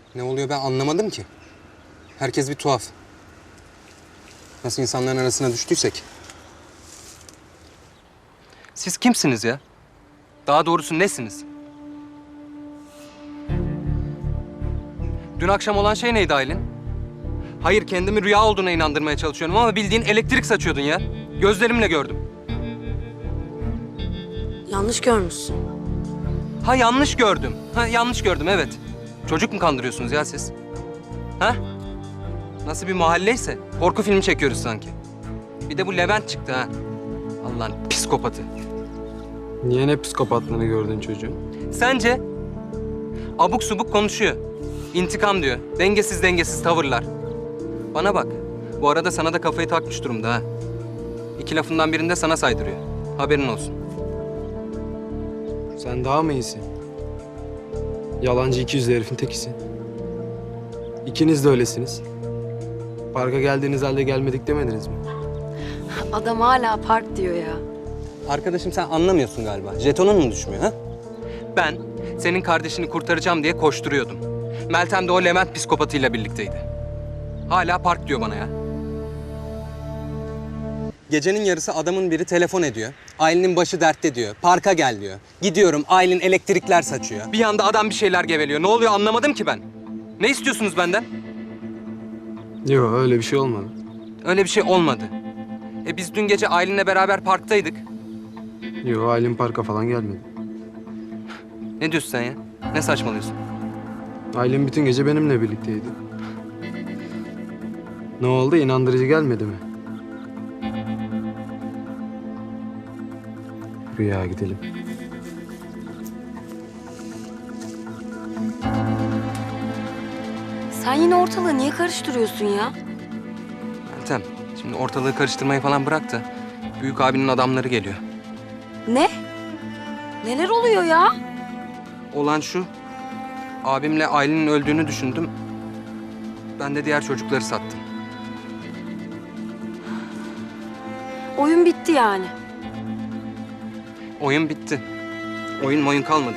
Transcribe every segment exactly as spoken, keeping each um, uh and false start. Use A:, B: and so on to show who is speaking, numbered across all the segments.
A: Ne oluyor ben anlamadım ki. Herkes bir tuhaf. Nasıl insanların arasına düştüysek. Siz kimsiniz ya? Daha doğrusu nesiniz? Dün akşam olan şey neydi Aylin? Hayır, kendimi rüya olduğuna inandırmaya çalışıyorum ama bildiğin elektrik saçıyordun ya. Gözlerimle gördüm.
B: Yanlış görmüşsün.
A: Ha yanlış gördüm. Ha yanlış gördüm evet. Çocuk mu kandırıyorsunuz ya siz? Ha? Nasıl bir mahalleyse korku filmi çekiyoruz sanki. Bir de bu Levent çıktı ha. Allah'ın psikopatı.
C: Niye ne psikopatlığını gördün çocuğun?
A: Sence? Abuk subuk konuşuyor. İntikam diyor. Dengesiz dengesiz tavırlar. Bana bak. Bu arada sana da kafayı takmış durumda ha. İki lafından birinde sana saydırıyor. Haberin olsun.
C: Sen daha mı iyisin? Yalancı iki yüzlü herifin tekisin. İkiniz de öylesiniz. Parka geldiğiniz halde gelmedik demediniz mi?
B: Adam hala park diyor ya.
A: Arkadaşım sen anlamıyorsun galiba. Jetonun mu düşmüyor ha? Ben senin kardeşini kurtaracağım diye koşturuyordum. Meltem de o Levent psikopatıyla birlikteydi. Hala park diyor bana ya. Gecenin yarısı adamın biri telefon ediyor. Aylin'in başı dertte diyor. Parka gel diyor. Gidiyorum, Aylin elektrikler saçıyor. Bir yanda adam bir şeyler geveliyor. Ne oluyor anlamadım ki ben. Ne istiyorsunuz benden?
C: Yok öyle bir şey olmadı.
A: Öyle bir şey olmadı. E biz dün gece Aylin'le beraber parktaydık.
C: Yok Aylin parka falan gelmedi.
A: Ne diyorsun sen ya? Ne saçmalıyorsun?
C: Aylin bütün gece benimle birlikteydi. Ne oldu? İnandırıcı gelmedi mi? Rüya gidelim.
B: Sen yine ortalığı niye karıştırıyorsun ya?
A: Meltem, şimdi ortalığı karıştırmayı falan bırak da büyük abinin adamları geliyor.
B: Ne? Neler oluyor ya?
A: Olan şu, abimle Aylin'in öldüğünü düşündüm. Ben de diğer çocukları sattım.
B: Oyun bitti yani.
A: Oyun bitti. Oyun oyun kalmadı.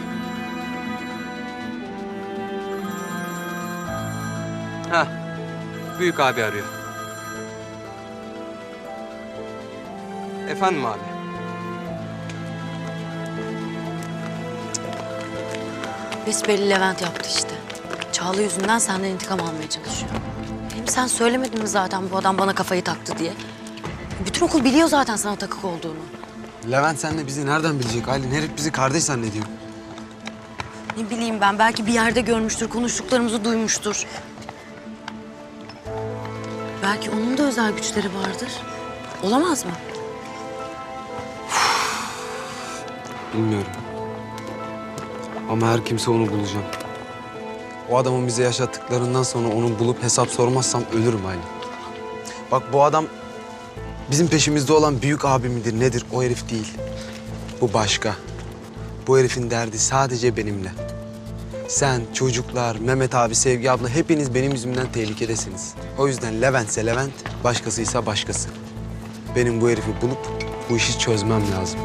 A: Ha, büyük abi arıyor. Efendim abi.
B: Besbelli Levent yaptı işte. Çağla yüzünden senden intikam almaya çalışıyor. Hem sen söylemedin mi zaten bu adam bana kafayı taktı diye? Bütün okul biliyor zaten sana takık olduğunu.
C: Levent sen de bizi nereden bilecek Aylin? Herif bizi kardeş zannediyor.
B: Ne bileyim ben, belki bir yerde görmüştür, konuştuklarımızı duymuştur. Belki onun da özel güçleri vardır. Olamaz mı?
C: Bilmiyorum. Ama her kimse onu bulacağım. O adamın bize yaşattıklarından sonra onu bulup hesap sormazsam ölürüm Aylin. Bak bu adam bizim peşimizde olan büyük abi midir nedir o herif değil. Bu başka. Bu herifin derdi sadece benimle. Sen, çocuklar, Mehmet abi, Sevgi abla hepiniz benim yüzümden tehlikedesiniz. O yüzden Levent'se Levent, başkasıysa başkası. Benim bu herifi bulup bu işi çözmem lazım.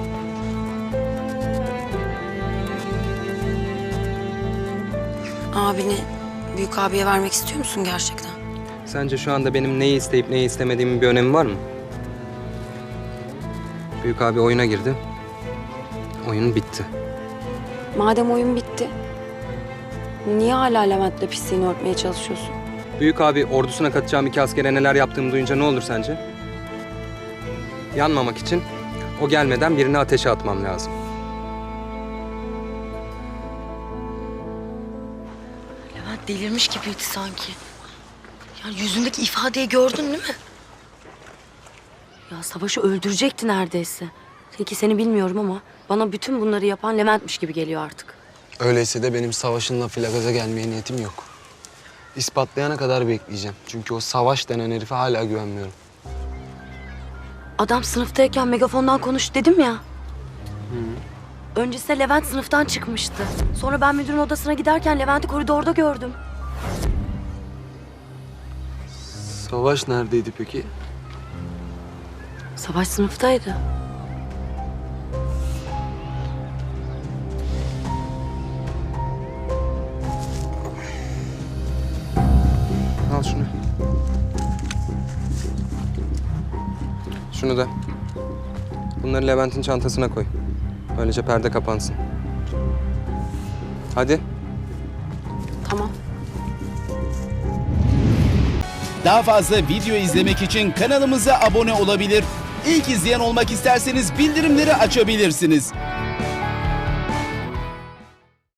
B: Abini büyük abiye vermek istiyor musun gerçekten?
A: Sence şu anda benim neyi isteyip neyi istemediğimin bir önemi var mı? Büyük abi oyuna girdi. Oyun bitti.
B: Madem oyun bitti, niye hala Levent'le pisliğini örtmeye çalışıyorsun?
A: Büyük abi ordusuna katacağım iki askere neler yaptığımı duyunca ne olur sence? Yanmamak için o gelmeden birini ateşe atmam lazım.
B: Levent delirmiş gibiydi sanki. Ya yüzündeki ifadeyi gördün değil mi? Ya Savaş'ı öldürecekti neredeyse. Peki seni bilmiyorum ama bana bütün bunları yapan Levent'miş gibi geliyor artık.
C: Öyleyse de benim Savaş'ınla Filagaz'a gelmeye niyetim yok. İspatlayana kadar bekleyeceğim. Çünkü o Savaş denen herife hala güvenmiyorum.
B: Adam sınıftayken megafondan konuş dedim ya. Öncesinde Levent sınıftan çıkmıştı. Sonra ben müdürün odasına giderken Levent'i koridorda gördüm.
C: Savaş neredeydi peki?
B: Savaş sınıftaydı.
A: şunu. Şunu da. Bunları Levent'in çantasına koy. Böylece perde kapansın. Hadi.
B: Tamam.
D: Daha fazla video izlemek için kanalımıza abone olabilir. İlk izleyen olmak isterseniz bildirimleri açabilirsiniz.